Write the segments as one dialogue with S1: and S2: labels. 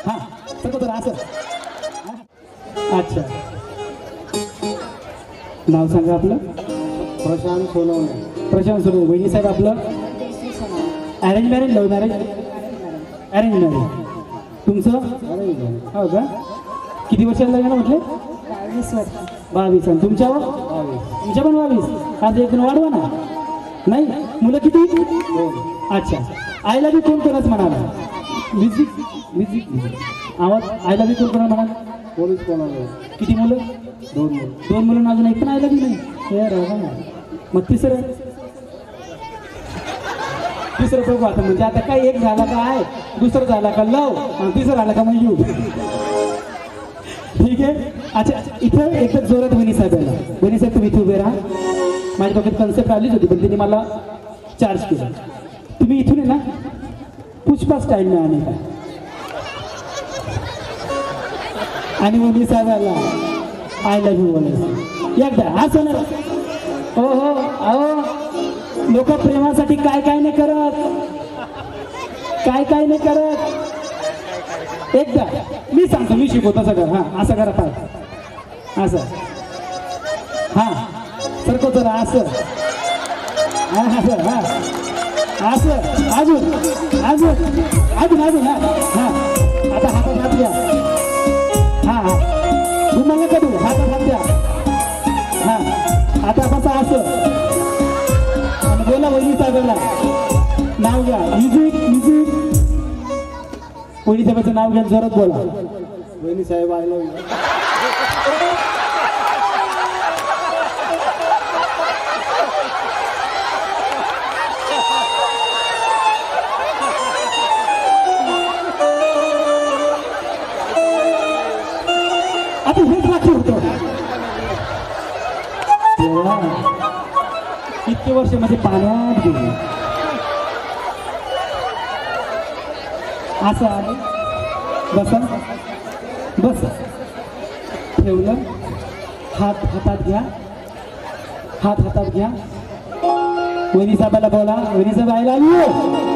S1: हां सगळं तर असं. अच्छा नाव सांगा आपलं.
S2: प्रशांत सोनवणे.
S1: प्रशांत सोनवणे. वहिनी साहेब आपलं arrange marriage love marriage. Arrange marriage. तुमचं हो का. किती वर्षाला लग्न म्हटले. 22. आणि तुमच्यावर तुमच्या पण 22. आज एक वाढवा ना. नाही मुलं किती. अच्छा आईला बी कोण कोणच म्हणाला. म्युझिक म्युझिक आवाज आईला बी कोण कोणा म्हणाला.
S2: पोलीस कोणाला.
S1: किती मुलं.
S2: 2 मुलं.
S1: 2 मुलं अजून एक पण आईला बी नाही. हे राहा मग तिसरं बघू आता. म्हणजे आता काय एक झाला का आहे दुसरं झाला का लव आणि तिसरं झाला का मग यू. ठीक आहे. अच्छा इथं एकच जोरात वहिनी साहेब यायला. वहिनी साहेब तुम्ही इथे उभे राहा. माझ्या डोक्यात कन्सेप्ट आलीच होती पण त्यांनी मला चार्ज केला. तुम्ही इथून आहे ना पुष्पा स्टाईलने आणि काय आणि वहिनी साहेब आला आय लव्ह यू बोलायचं एकदा हा सोनर. हो हो अहो लोक प्रेमासाठी काय काय नाही करत. काय काय नाही करत. एकदा मी सांगतो मी शिकवतो सगळं. हां असं करा पाय असं. हां सरको जरा असं. हां असं हां असं अजून अजून अजून अजून. हां हां आता हातात हात द्या. हां हां तुम्हाला कधी हातात हात द्या. हां आता बसा असं आणि बोला वहिनी साहेबांना नाव घ्या. Music music. वहिनी साहेबाचं नाव घ्या जोरात बोला.
S2: वहिनी साहेब आय लव्ह यू.
S1: आता हेच बाकी होतं. इतके वर्ष म्हणजे पाण्यात गेले. असं आहे बसा बस. ठेवलं हात हातात घ्या. हात हातात घ्या. वहिनी साहेबाला बोला वहिनी साहेब आय लव्ह यू.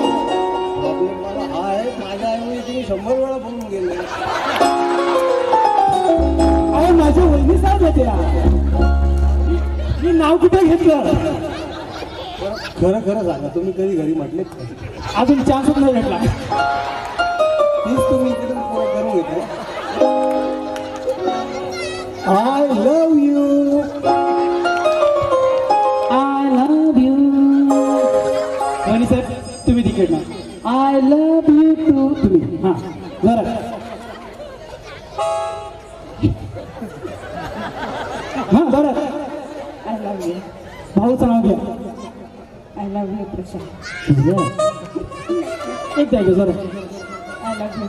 S2: हा आहे माझ्या ऐवजी तुम्ही 100 वेळा बोलून गेले.
S1: अरे माझ्या वहिनी साहेब होते. मी नाव कुठे घेतलं.
S2: खरं खरं सांगा तुम्ही कधी घरी म्हटलेत का.
S1: अजून चान्सच नाही भेटला.
S2: तीच तुम्ही इकडून करून घेताय. I love you.
S1: I love you. वहिनी साहेब तुम्ही तिकीट ना. I love you too. तुम्ही हां जरा हां बरं.
S3: I love you.
S1: भाऊचं नाव घ्या.
S3: I love you Prashant.
S1: एक द्यायचं जरा.
S3: I love you.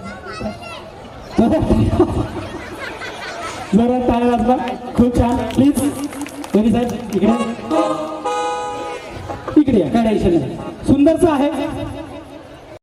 S1: जरा टाळ्या वाजवा. खूप छान. प्लीज वहिनी साहेब इकडे इकडे या. काय टेन्शन नाही. सुंदरचं आहे.